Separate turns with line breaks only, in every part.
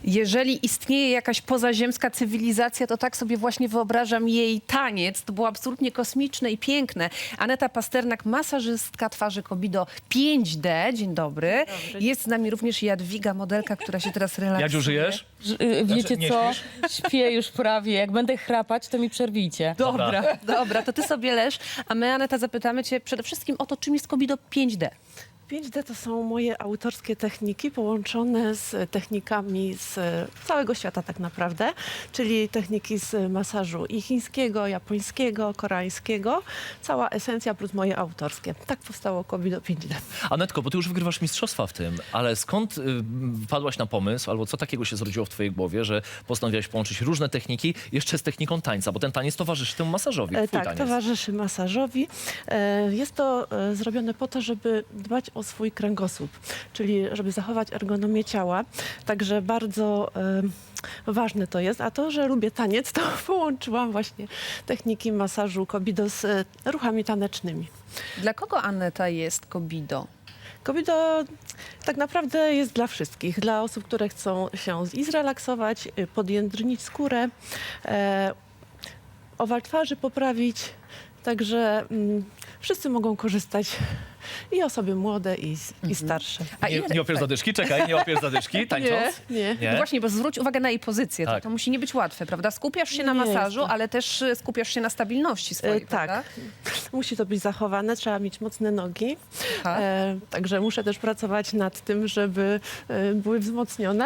Jeżeli istnieje jakaś pozaziemska cywilizacja, to tak sobie właśnie wyobrażam jej taniec. To było absolutnie kosmiczne i piękne. Aneta Pasternak, masażystka twarzy Kobido 5D. Dzień dobry. Jest z nami również Jadwiga, modelka, która się teraz relaksuje.
Jadziu, żyjesz?
Wiecie
nie
co?
śpisz?
Śpię już prawie. Jak będę chrapać, to mi przerwijcie.
Dobra, to ty sobie leż, a my, Aneta, zapytamy cię przede wszystkim o to, czym jest Kobido 5D.
5D to są moje autorskie techniki połączone z technikami z całego świata tak naprawdę, czyli techniki z masażu i chińskiego, japońskiego, koreańskiego. Cała esencja plus moje autorskie. Tak powstało Kobido 5D.
Anetko, bo ty już wygrywasz mistrzostwa w tym, ale skąd wpadłaś na pomysł, albo co takiego się zrodziło w twojej głowie, że postanowiłaś połączyć różne techniki jeszcze z techniką tańca, bo ten taniec towarzyszy temu masażowi. Twój
Tak,
taniec.
towarzyszy masażowi. Jest to zrobione po to, żeby dbać o swój kręgosłup, czyli żeby zachować ergonomię ciała. Także bardzo ważne to jest. A to, że lubię taniec, to połączyłam właśnie techniki masażu Kobido z ruchami tanecznymi.
Dla kogo Aneta jest Kobido?
Kobido tak naprawdę jest dla wszystkich. Dla osób, które chcą się i zrelaksować, podjędrnić skórę, owal twarzy poprawić. Także wszyscy mogą korzystać. I osoby młode, i starsze.
A
Nie łapiesz zadyszki? Czekaj, nie łapiesz zadyszki tańcząc?
Nie.
No właśnie, bo zwróć uwagę na jej pozycję.
Tak.
To musi nie być łatwe, prawda? Skupiasz się na
Nie jest
masażu,
to.
ale też skupiasz się na stabilności swojej, prawda?
Tak. Musi to być zachowane, trzeba mieć mocne nogi.
Aha.
Także muszę też pracować nad tym, żeby były wzmocnione.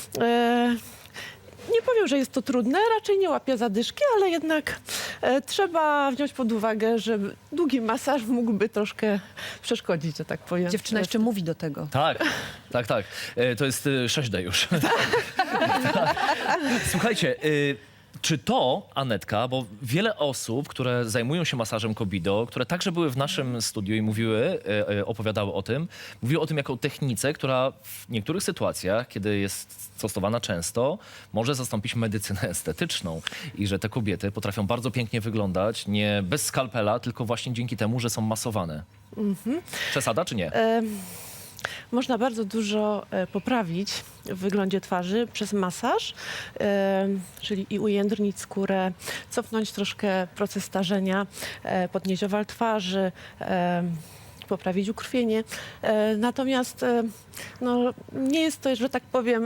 Nie powiem, że jest to trudne, raczej nie łapię zadyszki, ale jednak trzeba wziąć pod uwagę, że długi masaż mógłby troszkę przeszkodzić, że tak powiem.
Dziewczyna jeszcze mówi do tego.
Tak. To jest 6D już. Tak. Słuchajcie, czy to, Anetka, bo wiele osób, które zajmują się masażem Kobido, które także były w naszym studiu i opowiadały o tym, mówiły o tym jako o technice, która w niektórych sytuacjach, kiedy jest stosowana często, może zastąpić medycynę estetyczną i że te kobiety potrafią bardzo pięknie wyglądać, nie bez skalpela, tylko właśnie dzięki temu, że są masowane. Przesada czy nie?
Można bardzo dużo poprawić w wyglądzie twarzy przez masaż, czyli i ujędrnić skórę, cofnąć troszkę proces starzenia, podnieść owal twarzy, poprawić ukrwienie. Natomiast no, nie jest to, że tak powiem,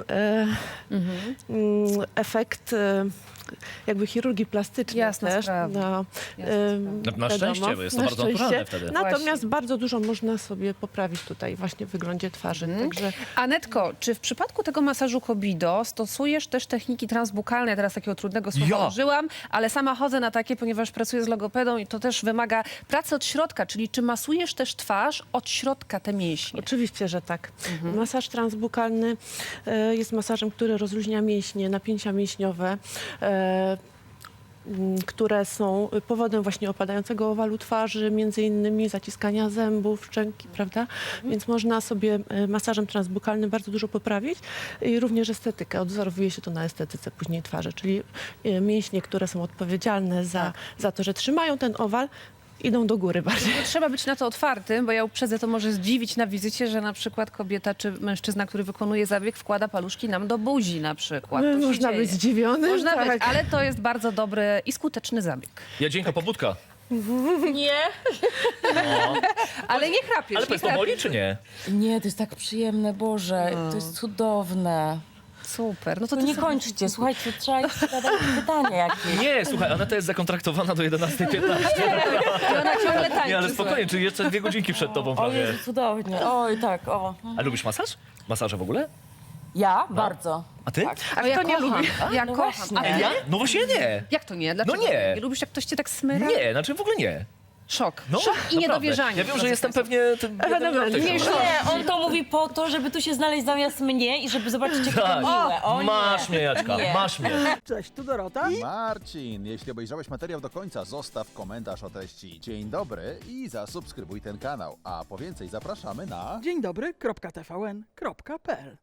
efekt jakby chirurgii plastycznej.
Jasna
też.
sprawa.
No,
Na szczęście, bo jest to
na
bardzo
szczęście.
naturalne wtedy.
Natomiast
Właśnie.
bardzo dużo można sobie poprawić tutaj właśnie w wyglądzie twarzy. Także
Anetko, czy w przypadku tego masażu Kobido stosujesz też techniki transbukalne? Teraz takiego trudnego słowa
Ja.
użyłam, ale sama chodzę na takie, ponieważ pracuję z logopedą i to też wymaga pracy od środka, czyli czy masujesz też twarz od środka te mięśnie?
oczywiście, że tak. Masaż transbukalny jest masażem, który rozluźnia mięśnie, napięcia mięśniowe, które są powodem właśnie opadającego owalu twarzy, między innymi zaciskania zębów, szczęki, prawda? Więc można sobie masażem transbukalnym bardzo dużo poprawić i również estetykę. Odwzorowuje się to na estetyce później twarzy, czyli mięśnie, które są odpowiedzialne za to, że trzymają ten owal, idą do góry bardziej.
No, trzeba być na to otwartym, bo ja uprzedzę, to może zdziwić na wizycie, że na przykład kobieta czy mężczyzna, który wykonuje zabieg, wkłada paluszki nam do buzi na przykład. To się
Można
dzieje.
być zdziwionym.
Można
tak.
być, ale to jest bardzo dobry i skuteczny zabieg.
Jadzieńka, pobudka.
Nie?
Ale nie chrapiesz,
Ale
nie
powiedz, to
chrapiesz.
boli czy nie?
Nie, to jest tak przyjemne, Boże. To jest cudowne.
Super. No to
To
ty
nie
sobie-
kończcie, słuchajcie, trzeba jeszcze zadać pytanie jakieś.
Nie, słuchaj, Aneta jest zakontraktowana do 11:15.
I ona ciągle tańczy.
Nie, ale spokojnie, czyli jeszcze 2 godzinki przed tobą
O
prawie.
Jezu, cudownie. Oj, tak, o.
A lubisz masaż? Masaże w ogóle?
Ja? Bardzo.
A ty?
A ja
Kto nie
kocham.
lubi?
Ja
No
kocham.
właśnie.
A ty?
Ja? No właśnie nie.
Jak to nie? Dlaczego
nie.
Nie lubisz, jak ktoś cię tak smyra?
Nie, znaczy w ogóle nie.
Szok.
No,
Szok i
naprawdę.
niedowierzanie.
Ja wiem, że
drodzy
jestem
państwo.
pewnie tym
Ewenement.
jednym
Nie,
z tych.
Nie, on to mówi po to, żeby tu się znaleźć zamiast mnie i żeby zobaczyć, jakie to
Tak.
miłe. O nie.
Masz mnie, Jaćka,
Nie.
masz mnie.
Cześć, tu Dorota.
Marcin, jeśli obejrzałeś materiał do końca, zostaw komentarz o treści dzień dobry i zasubskrybuj ten kanał. A po więcej zapraszamy na...
Dzień dobry, .tvn.pl